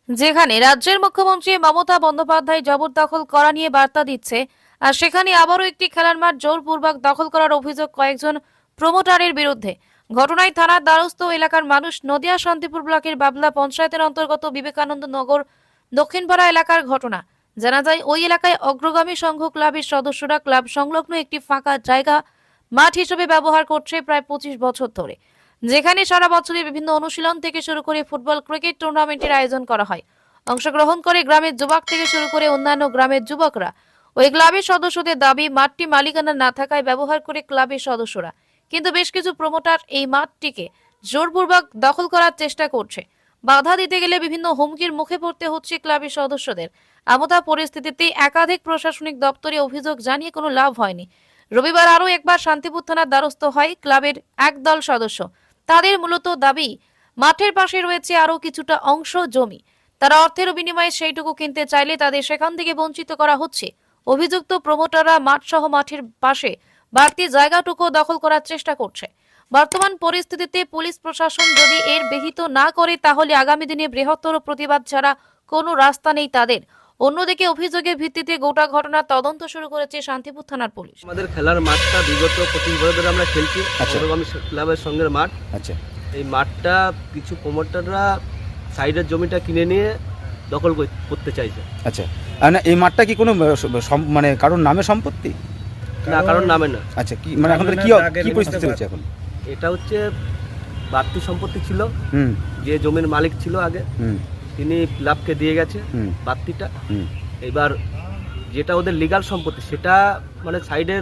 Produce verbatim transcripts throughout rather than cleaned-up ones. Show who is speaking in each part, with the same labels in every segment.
Speaker 1: যেখানে রাজ্যের মুখ্যমন্ত্রী মমতা বন্দ্যোপাধ্যায় জবরদখল করা নিয়ে বার্তা দিচ্ছে, আর সেখানে আবারও একটি খেলার মাঠ জোরপূর্বক দখল করার অভিযোগ কয়েকজন প্রমোটারের বিরুদ্ধে। ঘটনায় থানার দ্বারস্থ এলাকার মানুষ। নদিয়া শান্তিপুর ব্লকের বাবলা পঞ্চায়েতের অন্তর্গত বিবেকানন্দ নগর দক্ষিণপাড়া এলাকার ঘটনা। জানা যায়, ওই এলাকায় অগ্রগামী সংঘ ক্লাবের সদস্যরা ক্লাব সংলগ্ন একটি ফাঁকা জায়গা মাঠ হিসেবে ব্যবহার করছে প্রায় পঁচিশ বছর ধরে, যেখানে সারা বছরই বিভিন্ন অনুশীলন থেকে শুরু করে ফুটবল, ক্রিকেট টুর্নামেন্টের আয়োজন করা হয়। অংশগ্রহণ করে গ্রামের যুবক থেকে শুরু করে অন্যান্য গ্রামের যুবকরা। ওই ক্লাবের সদস্যদের দাবি, মাঠটি মালিকানা না থাকায় ব্যবহার করে ক্লাবের সদস্যরা, কিন্তু বেশ কিছু প্রমোটার এই মাঠটিকে জোরপূর্বক দখল করার চেষ্টা করছে। বাধা দিতে গেলে বিভিন্ন হুমকির মুখে পড়তে হচ্ছে ক্লাবের সদস্যদের। আমতা পরিস্থিতিতে একাধিক প্রশাসনিক দপ্তরে অভিযোগ জানিয়ে কোনো লাভ হয়নি। রবিবার আরও একবার শান্তিপুর থানার দ্বারস্থ হয় ক্লাবের একদল সদস্য। তাদের মূলত দাবি, মাঠের পাশে রয়েছে আরও কিছুটা অংশ জমি, তারা অর্থের বিনিময়ে সেইটুকু কিনতে চাইলে তাদের সেখান থেকে বঞ্চিত করা হচ্ছে। অভিযুক্ত প্রমোটাররা মাঠ সহ মাঠের পাশে বাড়তি জায়গাটুকু দখল করার চেষ্টা করছে। বর্তমান পরিস্থিতিতে পুলিশ প্রশাসন যদি এর বিহিত না করে, তাহলে আগামী দিনে বৃহত্তর প্রতিবাদ ছাড়া কোনো রাস্তা নেই তাদের। অন্যদিকে অভিযোগের ভিত্তিতে গোটা ঘটনার তদন্ত শুরু করেছে শান্তিপুর থানার পুলিশ।
Speaker 2: আমাদের খেলার মাঠটা বিগত পঁচিশ বছর ধরে আমরা খেলছি অগ্রগামী ক্লাবের সঙ্গে মাঠ।
Speaker 3: আচ্ছা,
Speaker 2: এই মাঠটা কিছু প্রমোটাররা সাইডের জমিটা কিনে নিয়ে দখল করতে চাইছে।
Speaker 3: আচ্ছা, আর না এই মাঠটা কি কোনো সম- মানে কারোর নামে সম্পত্তি?
Speaker 2: না, কারণ নামে না।
Speaker 3: আচ্ছা, কি মানে এখন কি কি পরিস্থিতি হচ্ছে এখন?
Speaker 2: এটা হচ্ছে বাড়তি সম্পত্তি ছিল।
Speaker 3: হুম
Speaker 2: যে জমির মালিক ছিল আগে,
Speaker 3: হুম
Speaker 2: তিনি ক্লাবকে দিয়ে গেছে
Speaker 3: হুম
Speaker 2: বাড়তিটা।
Speaker 3: হুম
Speaker 2: এবার যেটা ওদের লিগাল সম্পত্তি, সেটা মানে সাইডের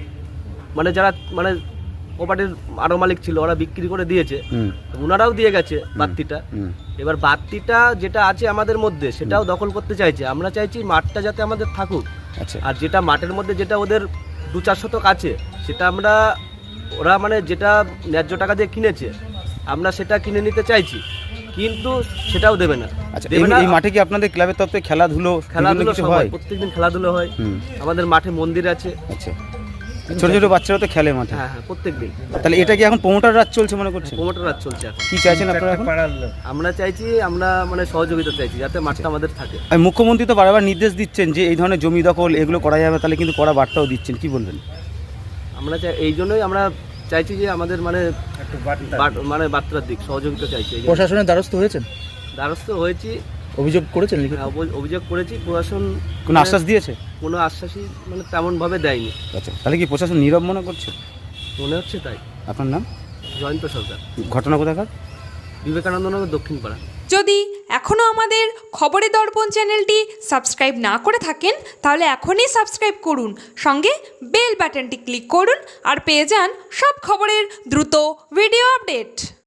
Speaker 2: মানে যারা মানে প্রপার্টির আরো মালিক ছিল, ওরা বিক্রি করে দিয়েছে।
Speaker 3: হুম
Speaker 2: ওনারাও দিয়ে গেছে বাড়তিটা।
Speaker 3: হুম
Speaker 2: এবার বাড়তিটা যেটা আছে আমাদের মধ্যে, সেটাও দখল করতে চাইছে। আমরা চাইছি মাঠটা যাতে আমাদের থাকুক।
Speaker 3: আচ্ছা,
Speaker 2: আর যেটা মাঠের মধ্যে যেটা ওদের দু চার শতক আছে, সেটা আমরা ওরা মানে যেটা ন্যায্য টাকা দিয়ে কিনেছে, আমরা সেটা কিনে নিতে চাইছি, কিন্তু সেটাও দেবে না।
Speaker 3: আচ্ছা,
Speaker 2: দেবে
Speaker 3: এই-
Speaker 2: না।
Speaker 3: এই মাঠে কি আপনাদের ক্লাবের তরফে খেলাধুলো
Speaker 2: খেলাধুলো
Speaker 3: কিছু
Speaker 2: সব
Speaker 3: হয়?
Speaker 2: হয়, প্রত্যেকদিন খেলাধুলো হয়।
Speaker 3: হুম
Speaker 2: আমাদের মাঠে মন্দির আছে।
Speaker 3: আচ্ছা, ছোট ছোট বাচ্চারা তো খেলে মাঠে।
Speaker 2: হ্যাঁ হ্যাঁ, প্রত্যেকদিন।
Speaker 3: তাহলে এটা কি এখন প্রমোটার রাজ চলছে মনে করছেন?
Speaker 2: প্রমোটার রাজ চলছে এখন।
Speaker 3: কি চাইছেন আপনারা এখন?
Speaker 2: আমরা চাইছি, আমরা মানে সহযোগিতা চাইছি যাতে মাঠটা আমাদের থাকে।
Speaker 3: আর মুখ্যমন্ত্রী তো বারবার নির্দেশ দিচ্ছেন যে এই ধরনের জমি দখল এগুলো করা যাবে, তাহলে কিন্তু কড়া বার্তাও দিচ্ছেন, কি বলবেন?
Speaker 2: আমরা চাই, এই জন্যই আমরা চাইছি যে আমাদের মানে বাট- মানে বার্তার দিক সহযোগিতা চাইছি। এই জন্য
Speaker 4: প্রশাসনের দ্বারস্থ হয়েছেন,
Speaker 2: দ্বারস্থ হয়েছি,
Speaker 4: অভিযোগ করেছেন লিখিত?
Speaker 2: হ্যাঁ, অভি- অভিযোগ করেছি। প্রশাসন
Speaker 3: কোনো আশ্বাস দিয়েছে?
Speaker 2: কোনো আশ্বাসই মানে তেমনভাবে দেয়নি।
Speaker 3: আচ্ছা, তাহলে কি প্রশাসন নীরব মনে করছে?
Speaker 2: মনে হচ্ছে তাই।
Speaker 3: আপনার নাম?
Speaker 2: জয়ন্ত সরকার,
Speaker 3: ঘটনা কোথাকার?
Speaker 2: বিবেকানন্দ নগর দক্ষিণ পাড়া।
Speaker 5: যদি এখনও আমাদের খবরের দর্পণ চ্যানেলটি সাবস্ক্রাইব না করে থাকেন, তাহলে এখনই সাবস্ক্রাইব করুন, সঙ্গে বেল বাটনটি ক্লিক করুন আর পেয়ে যান সব খবরের দ্রুত ভিডিও আপডেট।